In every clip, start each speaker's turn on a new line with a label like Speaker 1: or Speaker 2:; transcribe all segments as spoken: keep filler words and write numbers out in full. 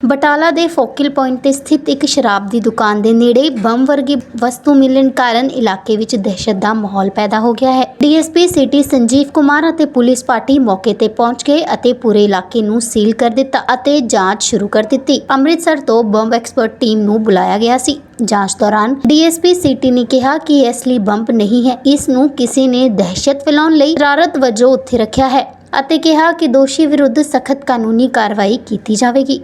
Speaker 1: ਬਟਾਲਾ ਦੇ focal point ਤੇ ਸਥਿਤ ਇੱਕ ਸ਼ਰਾਬ ਦੀ ਦੁਕਾਨ ਦੇ ਨੇੜੇ ਬੰਬ ਵਰਗੀ ਵਸਤੂ ਮਿਲਣ ਕਾਰਨ ਇਲਾਕੇ ਵਿੱਚ ਦਹਿਸ਼ਤ ਦਾ ਮਾਹੌਲ ਪੈਦਾ ਹੋ ਗਿਆ ਹੈ। ਡੀਐਸਪੀ ਸਿਟੀ ਸੰਜੀਵ ਕੁਮਾਰ ਅਤੇ ਪੁਲਿਸ ਪਾਰਟੀ ਮੌਕੇ ਤੇ ਪਹੁੰਚ ਗਏ ਅਤੇ ਪੂਰੇ ਇਲਾਕੇ ਨੂੰ ਸੀਲ ਕਰ ਦਿੱਤਾ ਅਤੇ ਜਾਂਚ ਸ਼ੁਰੂ ਕਰ ਦਿੱਤੀ। ਅੰਮ੍ਰਿਤਸਰ ਤੋਂ ਬੰਬ ਐਕਸਪਰਟ ਟੀਮ ਨੂੰ ਬੁਲਾਇਆ ਗਿਆ ਸੀ। ਜਾਂਚ ਦੌਰਾਨ ਡੀਐਸਪੀ ਸਿਟੀ ਨੇ ਕਿਹਾ ਕਿ ਇਸ ਲਈ ਬੰਬ ਨਹੀਂ ਹੈ, ਇਸ ਨੂੰ ਕਿਸੇ ਨੇ ਦਹਿਸ਼ਤ ਫੈਲਾਉਣ ਲਈ ਸ਼ਰਾਰਤ ਵਜੋਂ ਉੱਥੇ ਰੱਖਿਆ ਹੈ ਅਤੇ ਕਿਹਾ ਕਿ ਦੋਸ਼ੀ ਵਿਰੁੱਧ ਸਖਤ ਕਾਨੂੰਨੀ ਕਾਰਵਾਈ ਕੀਤੀ ਜਾਵੇਗੀ।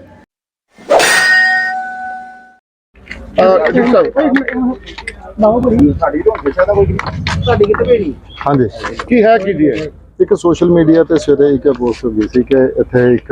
Speaker 2: हाँ जी
Speaker 3: ਕੀ ਹੈ ਕੀ ਜੀ ਹੈ
Speaker 2: एक सोशल मीडिया ਤੇ ਸਵੇਰੇ ਇੱਕ ਪੋਸਟ ਹੋਈ ਸੀ ਕਿ ਇੱਥੇ ਇੱਕ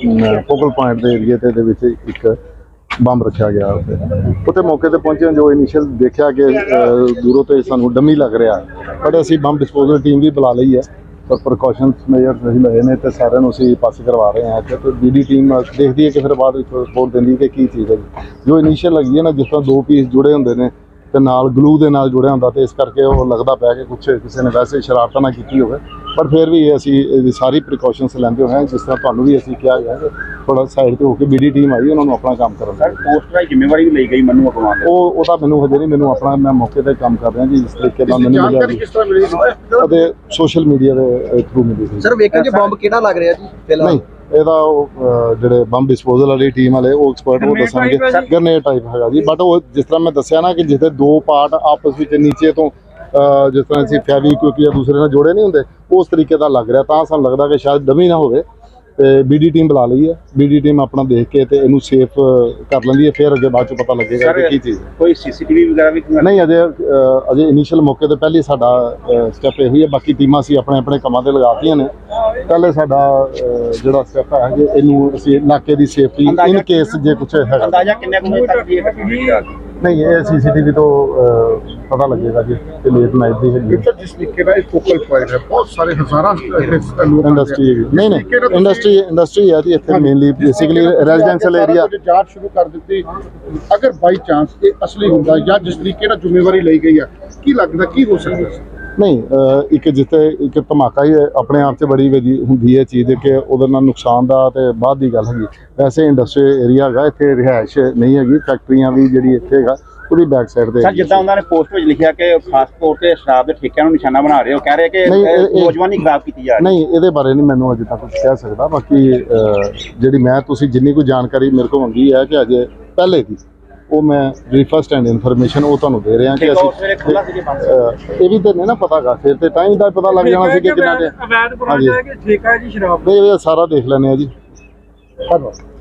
Speaker 2: ਫੋਕਲ ਪੁਆਇੰਟ ਦੇ ਏਰੀਆ ਤੇ ਦੇ ਵਿੱਚ ਇੱਕ ਬੰਬ ਰੱਖਿਆ ਗਿਆ ਉੱਥੇ ਉੱਥੇ ਮੌਕੇ ਤੇ ਪਹੁੰਚੇ ਜੋ ਇਨੀਸ਼ੀਅਲ ਦੇਖਿਆ ਕਿ ਦੂਰੋਂ ਤੇ ਸਾਨੂੰ ਡਮੀ ਲੱਗ ਰਿਹਾ, ਪਰ ਅਸੀਂ ਬੰਬ ਡਿਸਪੋਜ਼ਲ ਟੀਮ ਵੀ ਬੁਲਾ ਲਈ ਹੈ ਪਰ ਪ੍ਰੀਕਾਸ਼ਨਸ ਮੇਜਰਸ ਅਸੀਂ ਲਏ ਨੇ ਤੇ ਸਾਰਿਆਂ ਨੂੰ ਅਸੀਂ ਪਾਸ ਕਰਵਾ ਰਹੇ ਹਾਂ। ਤੇ ਬੀਡੀ ਟੀਮ ਦੇਖਦੀ ਹੈ ਕਿ ਫਿਰ ਬਾਅਦ ਵਿੱਚ ਰਿਪੋਰਟ ਦਿੰਦੀ ਕਿ ਕੀ ਚੀਜ਼ ਹੈ। ਜੋ ਇਨੀਸ਼ੀਅਲ ਲੱਗੀ ਹੈ ਨਾ, ਜਿਸ ਤਰ੍ਹਾਂ ਦੋ ਪੀਸ ਜੁੜੇ ਹੁੰਦੇ ਨੇ ਤੇ ਨਾਲ ਗਲੂ ਦੇ ਨਾਲ ਜੁੜਿਆ ਹੁੰਦਾ ਤੇ ਇਸ ਕਰਕੇ ਉਹ ਲੱਗਦਾ ਪਿਆ ਕਿ ਕੁਛ ਕਿਸੇ ਨੇ ਵੈਸੇ ਸ਼ਰਾਰਤਾਂ ਨਾ ਕੀਤੀ ਹੋਵੇ, ਪਰ ਫਿਰ ਵੀ ਅਸੀਂ ਇਹਦੀ ਸਾਰੀ ਪ੍ਰੀਕਾਸ਼ਨਸ ਲੈਂਦੇ ਹੋਏ ਜਿਸ ਤਰ੍ਹਾਂ ਤੁਹਾਨੂੰ ਵੀ ਅਸੀਂ ਕਿਹਾ ਗਿਆ ਕਿ ਥੋੜਾ ਸਾਈਡ ਤੇ ਹੋ ਕੇ ਬੀਡੀ ਟੀਮ ਆਈ ਉਹਨਾਂ ਨੂੰ ਆਪਣਾ ਕੰਮ ਕਰਨ ਦਾ।
Speaker 3: ਪੋਸਟਰ ਦੀ ਜ਼ਿੰਮੇਵਾਰੀ ਵੀ ਲਈ ਗਈ ਮੈਨੂੰ ਅਗਵਾਉਣ
Speaker 2: ਉਹ ਉਹਦਾ ਮੈਨੂੰ ਹਜੇ ਨਹੀਂ, ਮੈਨੂੰ ਆਪਣਾ ਮੈਂ ਮੌਕੇ ਤੇ ਕੰਮ ਕਰ ਰਿਹਾ ਜੀ। ਜਿਸ ਤਰੀਕੇ ਨਾਲ ਮੈਨੂੰ
Speaker 3: ਜਾਣਕਾਰੀ ਕਿਸ ਤਰ੍ਹਾਂ ਮਿਲੀ
Speaker 2: ਅਤੇ ਸੋਸ਼ਲ ਮੀਡੀਆ ਦੇ ਥਰੂ ਮਿਲੀ ਸੀ।
Speaker 4: ਸਰ ਵੇਖਣ ਚ ਬੰਬ ਕਿਹੜਾ ਲੱਗ ਰਿਹਾ ਜੀ ਫਿਲਹਾਲ?
Speaker 2: ਨਹੀਂ, ਇਹਦਾ ਉਹ ਜਿਹੜੇ ਬੰਬ ਡਿਸਪੋਜ਼ਲ ਵਾਲੀ ਟੀਮ ਵਾਲੇ ਉਹ ਐਕਸਪਰਟ ਉਹ ਦੱਸਣਗੇ ਗਰਨੇਡ ਟਾਈਪ ਹੈਗਾ ਜੀ। ਬਟ ਉਹ ਜਿਸ ਤਰ੍ਹਾਂ ਮੈਂ ਦੱਸਿਆ ਨਾ ਕਿ ਜਿੱਥੇ ਦੋ ਪਾਰਟ ਆਪਸ ਵਿੱਚ ਨੀਚੇ ਤੋਂ ਜਿਸ ਤਰ੍ਹਾਂ ਅਸੀਂ ਫੈਵੀਕੁਇਕ ਜਾਂ ਦੂਸਰੇ ਨਾਲ ਜੋੜੇ ਨਹੀਂ ਹੁੰਦੇ ਉਸ ਤਰੀਕੇ ਦਾ ਲੱਗ ਰਿਹਾ, ਤਾਂ ਸਾਨੂੰ ਲੱਗਦਾ ਕਿ ਸ਼ਾਇਦ ਡਮੀ ਨਾ ਹੋਵੇ। ਤੇ ਬੀਡੀ ਟੀਮ ਬੁਲਾ ਲਈ ਹੈ, ਬੀਡੀ ਟੀਮ ਆਪਣਾ ਦੇਖ ਕੇ ਤੇ ਇਹਨੂੰ ਸੇਫ ਕਰ ਲੈਂਦੀ ਹੈ, ਫਿਰ ਅੱਗੇ ਬਾਅਦ ਚ ਪਤਾ ਲੱਗੇਗਾ ਕਿ ਕੀ ਚੀਜ਼ ਹੈ।
Speaker 3: ਕੋਈ ਸੀਸੀਟੀਵੀ ਵਗੈਰਾ ਵੀ
Speaker 2: ਨਹੀਂ, ਅਜੇ ਅਜੇ ਇਨੀਸ਼ੀਅਲ ਮੌਕੇ ਤੇ ਪਹਿਲੀ ਸਾਡਾ ਸਟੈਪ ਇਹ ਹੀ ਹੈ। ਬਾਕੀ ਟੀਮਾਂ ਅਸੀਂ ਆਪਣੇ ਆਪਣੇ ਕੰਮਾਂ ਤੇ ਲਗਾਤੀਆਂ ਨੇ। ਪਹਿਲੇ ਸਾਡਾ ਜਿਹੜਾ ਸਟੈਪ ਹੈ ਕਿ ਇਹਨੂੰ ਅਸੀਂ ਇਲਾਕੇ ਦੀ ਸੇਫਟੀ ਇਨ ਕੇਸ ਜੇ ਕੁਝ ਹੈਗਾ।
Speaker 3: ਅੰਦਾਜ਼ਾ ਕਿੰਨੇ ਕੁ ਵਜੇ ਤੱਕ ਦੀ ਹੈ?
Speaker 2: ਨਹੀਂ, ਇਹ ਸੀਸੀਟੀਵੀ ਤੋਂ ਪਤਾ ਲੱਗੇਗਾ ਜੀ ਕਿ ਲੇਟ ਨਾਈਟ ਦੀ ਹੈਗੀ
Speaker 3: ਜਿਸ ਤਰੀਕੇ ਦਾ ਇਹ ਫੋਕਲ ਪੁਆਇੰਟ ਹੈ, ਬਹੁਤ ਸਾਰੇ ਹਜ਼ਾਰਾਂ
Speaker 2: ਇੰਡਸਟਰੀ। ਨਹੀਂ ਨਹੀਂ, ਇੰਡਸਟਰੀ ਇੰਡਸਟਰੀ ਹੈ ਜੀ ਇੱਥੇ ਮੇਨਲੀ ਬੇਸਿਕਲੀ ਰੈਜ਼ੀਡੈਂਸ਼ੀਅਲ ਏਰੀਆ।
Speaker 3: ਜਾਂਚ ਸ਼ੁਰੂ ਕਰ ਦਿੱਤੀ, ਅਗਰ ਬਾਈ ਚਾਂਸ ਇਹ ਅਸਲੀ ਹੁੰਦਾ ਜਾਂ ਜਿਸ ਤਰੀਕੇ ਨਾਲ ਜ਼ਿੰਮੇਵਾਰੀ ਲਈ ਗਈ ਹੈ, ਕੀ ਲੱਗਦਾ ਕੀ ਹੋ ਸਕਦਾ ਸੀ?
Speaker 2: ਨਹੀਂ, ਇੱਕ ਜਿੱਥੇ ਇੱਕ ਧਮਾਕਾ ਹੀ ਆਪਣੇ ਆਪ 'ਚ ਬੜੀ ਵਧੀ ਹੁੰਦੀ ਹੈ ਚੀਜ਼ ਕਿ ਉਹਦੇ ਨਾਲ ਨੁਕਸਾਨ ਦਾ ਤੇ ਬਾਅਦ ਦੀ ਗੱਲ ਹੈਗੀ। ਵੈਸੇ ਇੰਡਸਟਰੀ ਏਰੀਆ ਹੈਗਾ, ਇੱਥੇ ਰਿਹਾਇਸ਼ ਨਹੀਂ ਹੈਗੀ, ਫੈਕਟਰੀਆਂ ਵੀ ਜਿਹੜੀ ਇੱਥੇ ਹੈਗਾ ਉਹਦੀ ਬੈਕ ਸਾਈਡ ਤੇ।
Speaker 3: ਸਰ, ਜਿੱਦਾਂ ਉਹਨਾਂ ਨੇ ਪੋਸਟ ਵਿੱਚ ਲਿਖਿਆ ਕਿ ਖਾਸ ਤੌਰ ਤੇ ਸ਼ਰਾਬ ਦੇ ਠੇਕਿਆਂ ਨੂੰ ਨਿਸ਼ਾਨਾ ਬਣਾ ਰਹੇ ਹੋ, ਕਹਿ ਰਹੇ ਕਿ ਨੌਜਵਾਨੀ ਖਰਾਬ ਕੀਤੀ ਜਾ ਰਹੀ ਹੈ।
Speaker 2: ਨਹੀਂ, ਇਹਦੇ ਬਾਰੇ ਨਹੀਂ ਮੈਨੂੰ ਅਜੇ ਤੱਕ ਕੁਝ ਕਹਿ ਸਕਦਾ। ਬਾਕੀ ਜਿਹੜੀ ਮੈਂ ਤੁਸੀਂ ਜਿੰਨੀ ਕੋਈ ਜਾਣਕਾਰੀ ਮੇਰੇ ਕੋਲ ਹੁੰਦੀ ਹੈ ਕਿ ਅਜੇ ਪਹਿਲੇ ਦੀ ਉਹ ਮੈਂ ਜਿਹੜੀ ਫਸਟ ਹੈਂਡ ਇਨਫੋਰਮੇਸ਼ਨ ਉਹ ਤੁਹਾਨੂੰ ਦੇ ਰਿਹਾ ਕਿ ਅਸੀਂ ਇਹ ਵੀ ਤਾਂ ਨਹੀਂ ਨਾ ਪਤਾ ਗਾ, ਫਿਰ ਤੇ ਟਾਈਮ ਦਾ ਪਤਾ ਲੱਗ ਜਾਣਾ ਸੀ ਕਿ ਕਿੰਨਾ ਦੇ। ਹਾਂਜੀ,
Speaker 4: ਠੇਕਾ ਜੀ ਸ਼ਰਾਬ
Speaker 2: ਇਹ ਸਾਰਾ ਦੇਖ ਲੈਂਦੇ ਆ ਜੀ। ਧੰਨਵਾਦ।